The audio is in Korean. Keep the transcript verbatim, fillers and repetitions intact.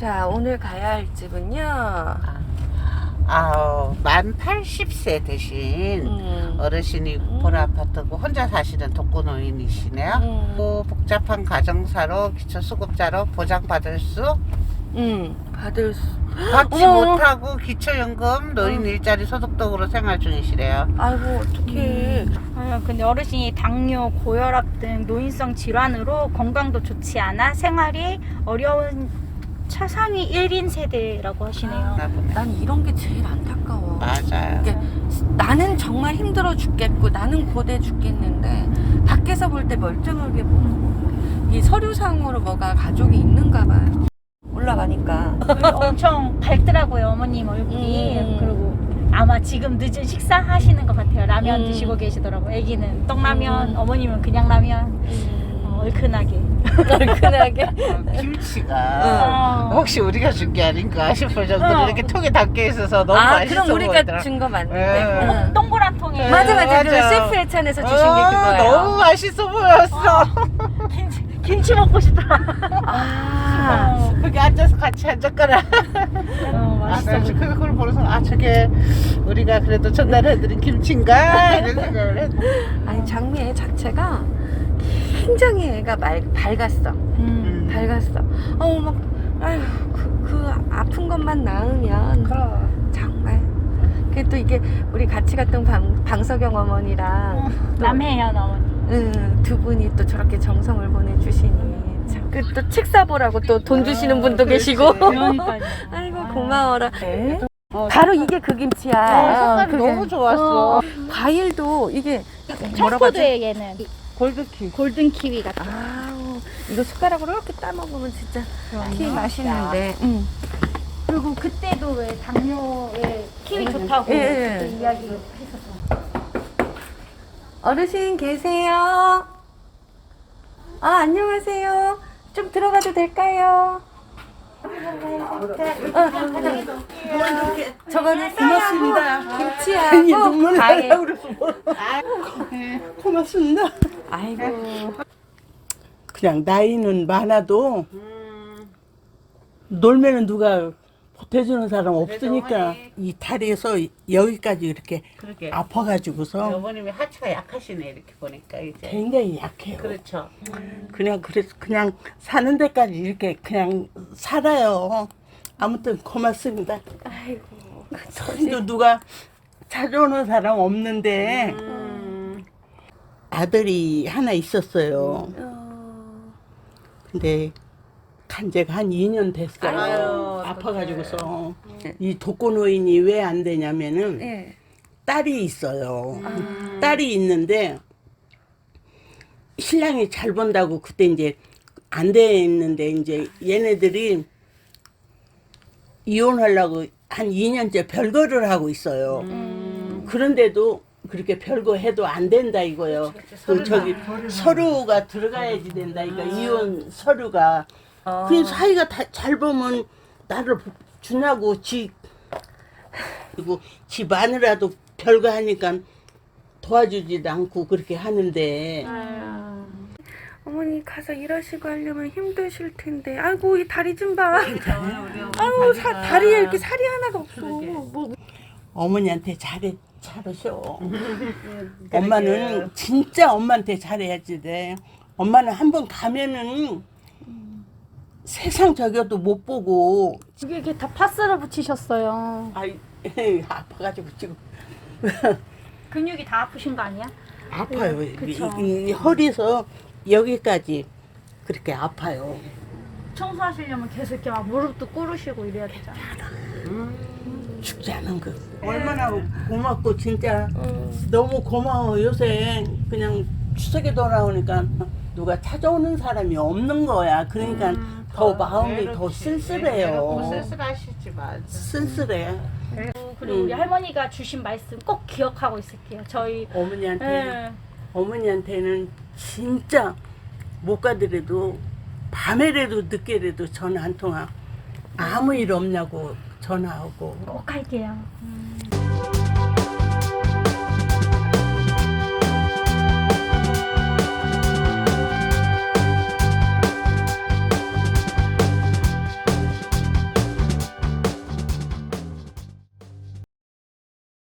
자, 오늘 가야 할 집은요. 아, 만 팔십 세 되신 음. 어르신이 본 아파트고 혼자 사시는 독거노인이시네요. 음. 또 복잡한 가정사로 기초수급자로 보장받을 수 음, 받을 수. 받지 어머. 못하고 기초연금 노인 음. 일자리 소득도구로 생활 중이시래요. 아이고, 어떡해. 아, 근데 어르신이 당뇨, 고혈압 등 노인성 질환으로 건강도 좋지 않아 생활이 어려운 차상위 일 인 세대라고 하시네요. 나 보네. 난 이런 게 제일 안타까워. 맞아요. 이게 나는 정말 힘들어 죽겠고 나는 고돼 죽겠는데 밖에서 볼 때 멀쩡하게 보고 이 서류상으로 뭐가 가족이 있는가 봐요. 올라가니까. 엄청 밝더라고요, 어머님 얼굴이. 음. 그리고 아마 지금 늦은 식사 하시는 것 같아요. 라면 음. 드시고 계시더라고요. 애기는 떡라면, 음. 어머님은 그냥 라면. 음. 어, 얼큰하게. 얼큰하게. 어, 김치가 어. 혹시 우리가 준 게 아닌가 싶을 정도로 어. 이렇게 통에 담겨 있어서 너무 아, 맛있어 그럼 우리가 보이더라. 준 거 맞는데. 예. 응. 동그란 통에. 맞아, 맞아. 그 맞아. 셰프 예찬에서 주신 게 어, 그거예요. 너무 맛있어 보였어. 김치, 김치 먹고 싶다. 아. 어, 거기 앉아서 같이 한 젓가락. 어, 아, 맛있어. 나 그걸 보면서 아 저게 우리가 그래도 전달해드린 김치인가 이런 생각을 했. 아니, 장미 자체가 굉장히 애가 말, 밝았어. 음. 밝았어. 어, 막, 아휴, 그, 그 아픈 것만 나으면. 그럼. 정말. 그게 또 이게 우리 같이 갔던 방, 방석영 어머니랑 또, 남해연 어머니. 응, 두 분이 또 저렇게 정성을 보내주시니. 그 또 책 사보라고 또 돈 주시는 분도 계시고. 그러니까요. 아이고, 고마워라. 어, 바로 이게 그 김치야. 어, 색깔이 그게. 너무 좋았어. 어, 과일도 이게 뭐라고 하지? 청포도에 얘는 골드키. 골든 키위 같아. 아우, 이거 숟가락으로 이렇게 따먹으면 진짜 그럼요. 키 맛있는데. 응. 그리고 그때도 왜 당뇨에 키위 좋다고 예, 예. 그때 이야기 했었어. 어르신 계세요? 아, 안녕하세요. 좀 들어가도 될까요? 어, 저거는 고맙습니다. 김치하고 과일. 고맙습니다. 아이고. 그냥 나이는 많아도 놀면은 누가 보태주는 사람 없으니까 어머니. 이 다리에서 여기까지 이렇게 그러게. 아파가지고서 어머님이 하체가 약하시네 이렇게 보니까 이제. 굉장히 약해요. 그렇죠. 그냥 그래서 그냥 사는 데까지 이렇게 그냥 살아요. 아무튼 고맙습니다. 아이고. 또 누가 찾아오는 사람 없는데 음. 아들이 하나 있었어요. 어, 근데 간 지가 한 이 년 됐어요. 아유, 아파가지고서. 이 독거노인이 왜 안 되냐면은 예. 딸이 있어요. 음. 딸이 있는데 신랑이 잘 본다고 그때 이제 안 됐는데 이제 얘네들이 이혼하려고 한 이 년째 별거를 하고 있어요. 음. 그런데도 그렇게 별거 해도 안 된다 이거요. 그 저기 서류가 들어가야지 된다. 그러니까 이혼 서류가. 어. 그 사이가 다, 잘 보면 나를 주냐고 지 그리고 지 마누라도 별거 하니까 도와주지도 않고 그렇게 하는데 어머니 가서 일하시고 하려면 힘드실 텐데. 아이고, 이 다리 좀 봐. 아유, 사, 다리에 이렇게 살이 하나가 없어. 뭐. 어머니한테 잘해 잘하셔. 엄마는 진짜 엄마한테 잘해야지 돼. 엄마는 한번 가면은 세상 저겨도 못 보고 이게 이렇게 다 파스를 붙이셨어요. 아이 아파가지고 지금 근육이 다 아프신 거 아니야? 아파요. 이, 그쵸. 이, 이 허리에서 여기까지 그렇게 아파요. 청소하시려면 계속 이렇게 막 무릎도 꿇으시고 이래야 되잖아. 죽지 않은 거. 얼마나 고맙고 진짜 너무 고마워. 요새 그냥 추석에 돌아오니까 누가 찾아오는 사람이 없는 거야. 그러니까 더 마음이 더 쓸쓸해요. 쓸쓸하시지만. 쓸쓸해. 그리고 음. 우리 할머니가 주신 말씀 꼭 기억하고 있을게요. 저희 어머니한테 예. 어머니한테는 진짜 못 가더라도 밤에라도 늦게라도 전화 한 통화 아무 일 없냐고 전화하고 꼭 할게요. 음.